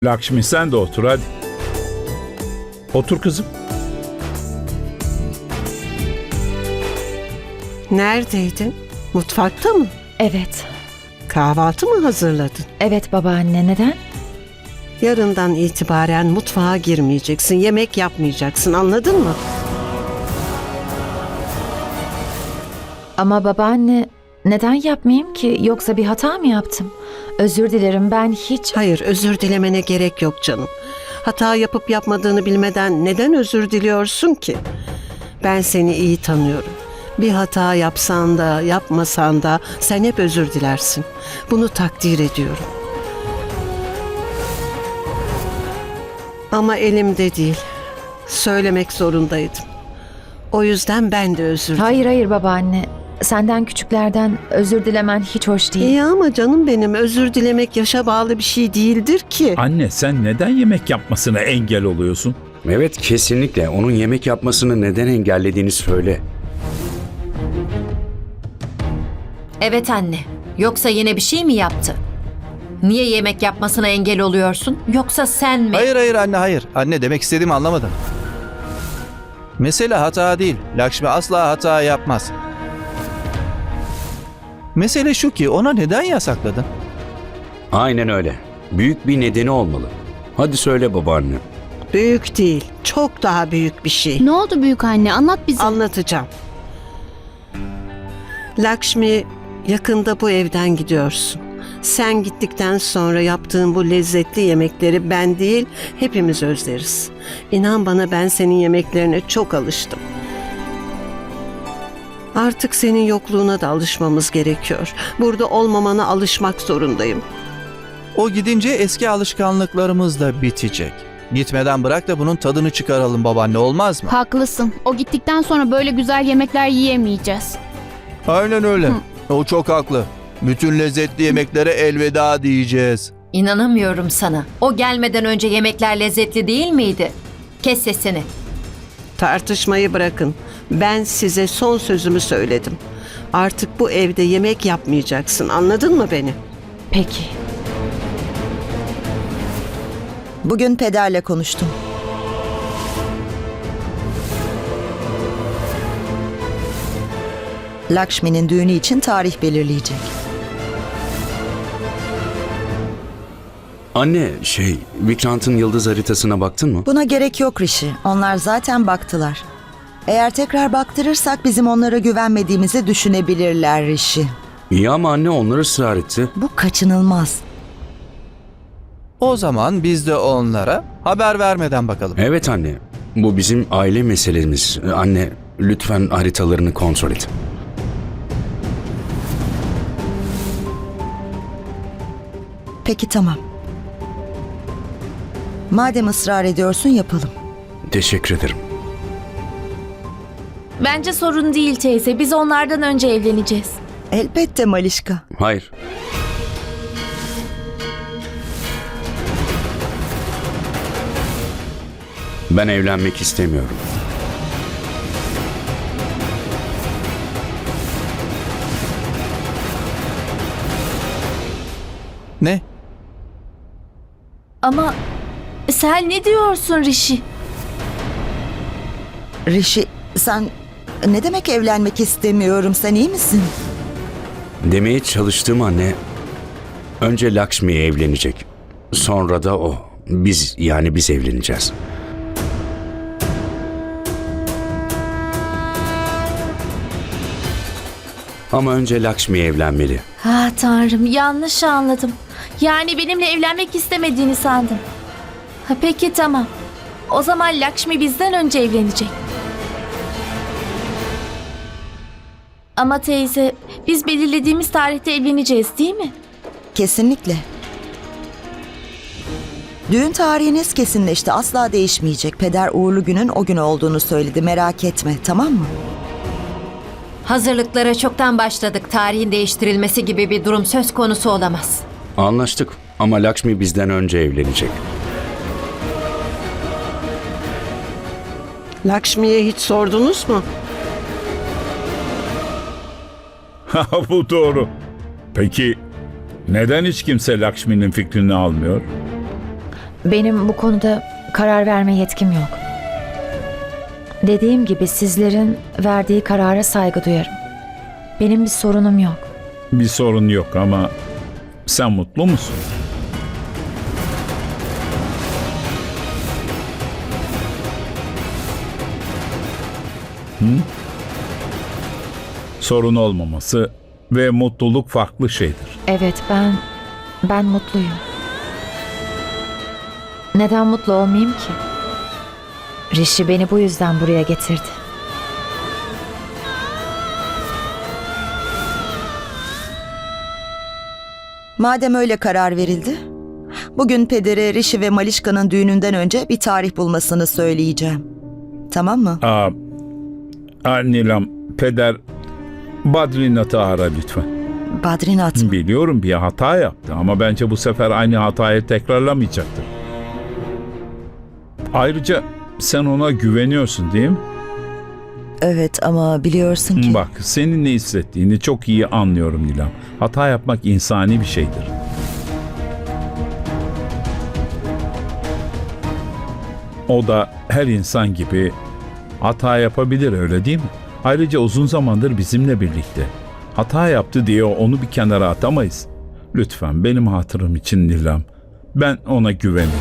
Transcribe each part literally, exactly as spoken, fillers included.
Lakşmi sen de otur hadi. Otur kızım. Neredeydin? Mutfakta mı? Evet. Kahvaltı mı hazırladın? Evet babaanne, neden? Yarından itibaren mutfağa girmeyeceksin, yemek yapmayacaksın, anladın mı? Ama babaanne, neden yapmayayım ki? Yoksa bir hata mı yaptım? Özür dilerim, ben hiç... Hayır, özür dilemene gerek yok canım. Hata yapıp yapmadığını bilmeden neden özür diliyorsun ki? Ben seni iyi tanıyorum. Bir hata yapsan da yapmasan da sen hep özür dilersin. Bunu takdir ediyorum. Ama elimde değil. Söylemek zorundaydım. O yüzden ben de özür dilerim. Hayır hayır babaanne. Senden küçüklerden özür dilemen hiç hoş değil. İyi ama canım benim, özür dilemek yaşa bağlı bir şey değildir ki. Anne sen neden yemek yapmasına engel oluyorsun? Evet, kesinlikle. Onun yemek yapmasını neden engellediğini söyle. Evet anne. Yoksa yine bir şey mi yaptı? Niye yemek yapmasına engel oluyorsun? Yoksa sen mi? Hayır hayır anne hayır. Anne demek istediğimi anlamadın. Mesele hata değil. Lakşmi asla hata yapmaz. Mesele şu ki ona neden yasakladın? Aynen öyle. Büyük bir nedeni olmalı. Hadi söyle babaanne. Büyük değil, çok daha büyük bir şey. Ne oldu büyük anne? Anlat bize. Anlatacağım. Lakşmi, yakında bu evden gidiyorsun. Sen gittikten sonra yaptığın bu lezzetli yemekleri ben değil, hepimiz özleriz. İnan bana, ben senin yemeklerine çok alıştım. Artık senin yokluğuna da alışmamız gerekiyor. Burada olmamana alışmak zorundayım. O gidince eski alışkanlıklarımız da bitecek. Gitmeden bırak da bunun tadını çıkaralım babaanne, olmaz mı? Haklısın. O gittikten sonra böyle güzel yemekler yiyemeyeceğiz. Aynen öyle. O çok haklı. Bütün lezzetli yemeklere elveda diyeceğiz. İnanamıyorum sana. O gelmeden önce yemekler lezzetli değil miydi? Kes sesini. Tartışmayı bırakın. Ben size son sözümü söyledim. Artık bu evde yemek yapmayacaksın. Anladın mı beni? Peki. Bugün pederle konuştum. Lakshmi'nin düğünü için tarih belirleyecek. Anne, şey, Vikrant'ın yıldız haritasına baktın mı? Buna gerek yok Rishi. Onlar zaten baktılar. Eğer tekrar baktırırsak bizim onlara güvenmediğimizi düşünebilirler Rishi. İyi ama anne onlar ısrar etti. Bu kaçınılmaz. O zaman biz de onlara haber vermeden bakalım. Evet anne, bu bizim aile meselemiz. Anne, lütfen haritalarını kontrol et. Peki tamam. Madem ısrar ediyorsun yapalım. Teşekkür ederim. Bence sorun değil teyze. Biz onlardan önce evleneceğiz. Elbette Malişka. Hayır. Ben evlenmek istemiyorum. Ne? Ama sen ne diyorsun Rishi? Rishi, sen ne demek evlenmek istemiyorum? Sen iyi misin? Demeye çalıştığım anne, önce Lakshmi evlenecek. Sonra da o. Biz, yani biz evleneceğiz. Ama önce Lakshmi evlenmeli. Ha tanrım, yanlış anladım. Yani benimle evlenmek istemediğini sandım. Ha, peki tamam. O zaman Lakshmi bizden önce evlenecek. Ama teyze, biz belirlediğimiz tarihte evleneceğiz değil mi? Kesinlikle. Düğün tarihiniz kesinleşti. Asla değişmeyecek. Peder uğurlu günün o gün olduğunu söyledi. Merak etme, tamam mı? Hazırlıklara çoktan başladık. Tarihin değiştirilmesi gibi bir durum söz konusu olamaz. Anlaştık ama Lakshmi bizden önce evlenecek. Lakshmi'ye hiç sordunuz mu? Ha, bu doğru. Peki neden hiç kimse Lakshmi'nin fikrini almıyor? benim bu konuda karar verme yetkim yok. Dediğim gibi sizlerin verdiği karara saygı duyarım. Benim bir sorunum yok. Bir sorun yok ama sen mutlu musun? Hı? Sorun olmaması ve mutluluk farklı şeydir. Evet, ben ben mutluyum. Neden mutlu olmayayım ki? Rishi beni bu yüzden buraya getirdi. Madem öyle karar verildi, bugün pedere Rishi ve Malişka'nın düğününden önce bir tarih bulmasını söyleyeceğim. Tamam mı? Aa, aa, Nilam, peder Badrinath'ı ara lütfen. Badrinath mı? Biliyorum bir hata yaptı ama bence bu sefer aynı hatayı tekrarlamayacaktır. Ayrıca sen ona güveniyorsun değil mi? Evet ama biliyorsun ki... Bak, senin ne hissettiğini çok iyi anlıyorum Nilam. Hata yapmak insani bir şeydir. O da her insan gibi hata yapabilir, öyle değil mi? Ayrıca uzun zamandır bizimle birlikte. Hata yaptı diye onu bir kenara atamayız. Lütfen benim hatırım için Nilam. Ben ona güveniyorum.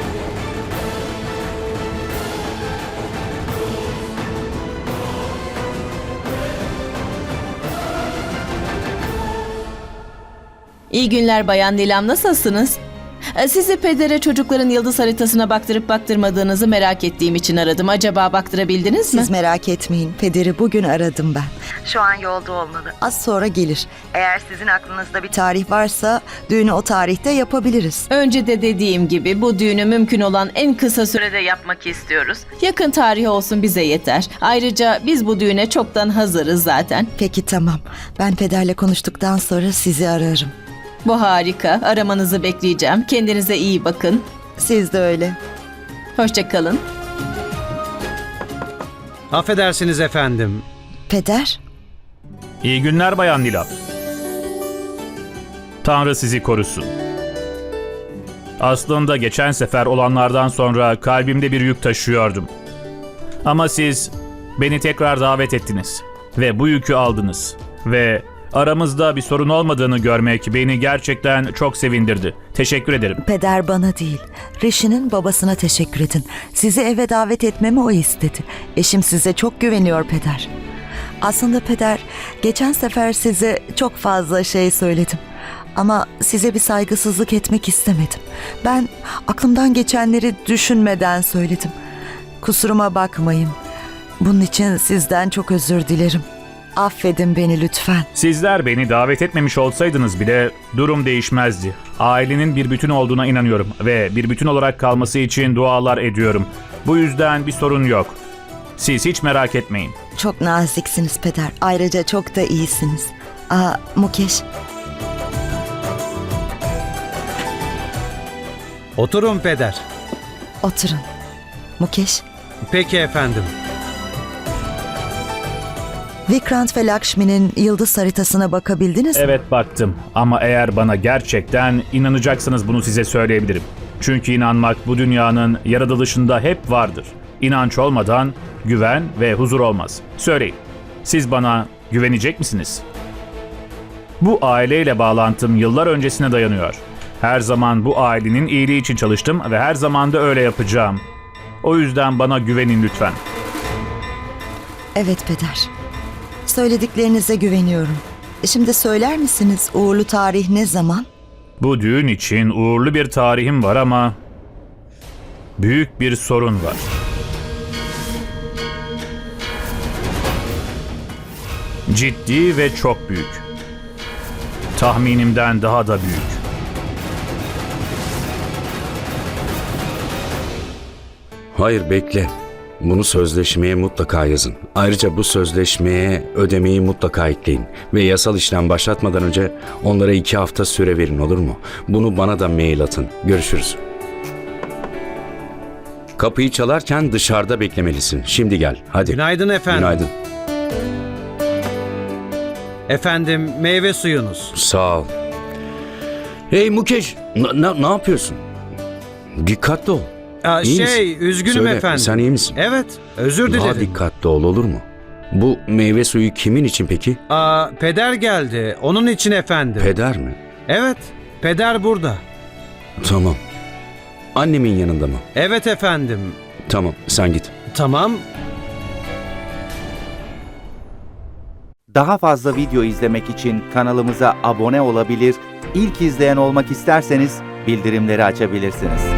İyi günler Bayan Nilam, nasılsınız? Ee, Sizi pedere çocukların yıldız haritasına baktırıp baktırmadığınızı merak ettiğim için aradım. Acaba baktırabildiniz mi? Siz merak etmeyin. Pederi bugün aradım ben. Şu an yolda olmalı. Az sonra gelir. Eğer sizin aklınızda bir tarih varsa düğünü o tarihte yapabiliriz. Önce de dediğim gibi bu düğünü mümkün olan en kısa sürede yapmak istiyoruz. Yakın tarih olsun, bize yeter. Ayrıca biz bu düğüne çoktan hazırız zaten. Peki tamam. Ben pederle konuştuktan sonra sizi ararım. Bu harika. Aramanızı bekleyeceğim. Kendinize iyi bakın. Siz de öyle. Hoşça kalın. Affedersiniz efendim. Peder? İyi günler Bayan Nilam. Tanrı sizi korusun. Aslında geçen sefer olanlardan sonra kalbimde bir yük taşıyordum. Ama siz beni tekrar davet ettiniz ve bu yükü aldınız ve aramızda bir sorun olmadığını görmek beni gerçekten çok sevindirdi. Teşekkür ederim. Peder bana değil, Rishi'nin babasına teşekkür edin. Sizi eve davet etmemi o istedi. Eşim size çok güveniyor Peder. Aslında Peder, geçen sefer size çok fazla şey söyledim. Ama size bir saygısızlık etmek istemedim. Ben aklımdan geçenleri düşünmeden söyledim. Kusuruma bakmayın. Bunun için sizden çok özür dilerim. Affedin beni lütfen. Sizler beni davet etmemiş olsaydınız bile durum değişmezdi. Ailenin bir bütün olduğuna inanıyorum ve bir bütün olarak kalması için dualar ediyorum. Bu yüzden bir sorun yok. Siz hiç merak etmeyin. Çok naziksiniz Peder. Ayrıca çok da iyisiniz. Aa, Mukesh. Oturun peder. Oturun. Mukesh. Peki efendim. Vikrant ve Lakshmi'nin yıldız haritasına bakabildiniz mi? Evet, baktım ama eğer bana gerçekten inanacaksınız bunu size söyleyebilirim. Çünkü inanmak bu dünyanın yaratılışında hep vardır. İnanç olmadan güven ve huzur olmaz. Söyleyin, siz bana güvenecek misiniz? Bu aileyle bağlantım yıllar öncesine dayanıyor. Her zaman bu ailenin iyiliği için çalıştım ve her zaman da öyle yapacağım. O yüzden bana güvenin lütfen. Evet Peder. Söylediklerinize güveniyorum. Şimdi söyler misiniz uğurlu tarih ne zaman? Bu düğün için uğurlu bir tarihim var ama büyük bir sorun var. Ciddi ve çok büyük. Tahminimden daha da büyük. Hayır, bekle. Bunu sözleşmeye mutlaka yazın. Ayrıca bu sözleşmeye ödemeyi mutlaka ekleyin. Ve yasal işlem başlatmadan önce onlara iki hafta süre verin, olur mu? Bunu bana da mail atın. Görüşürüz. Kapıyı çalarken dışarıda beklemelisin. Şimdi gel, hadi. Günaydın efendim. Günaydın. Efendim, meyve suyunuz. Sağ ol. Hey Mukesh, n- n- ne yapıyorsun? Dikkatli ol. Aa, İyi şey, misin? üzgünüm Söyle, efendim. sen iyi misin? Evet, özür Daha dilerim. dikkatli ol, olur mu? Bu meyve suyu kimin için peki? Aa, peder geldi. Onun için efendim. Peder mi? Evet, peder burada. Tamam. Annemin yanında mı? Evet efendim. Tamam, sen git. Tamam. Daha fazla video izlemek için kanalımıza abone olabilir, ilk izleyen olmak isterseniz bildirimleri açabilirsiniz.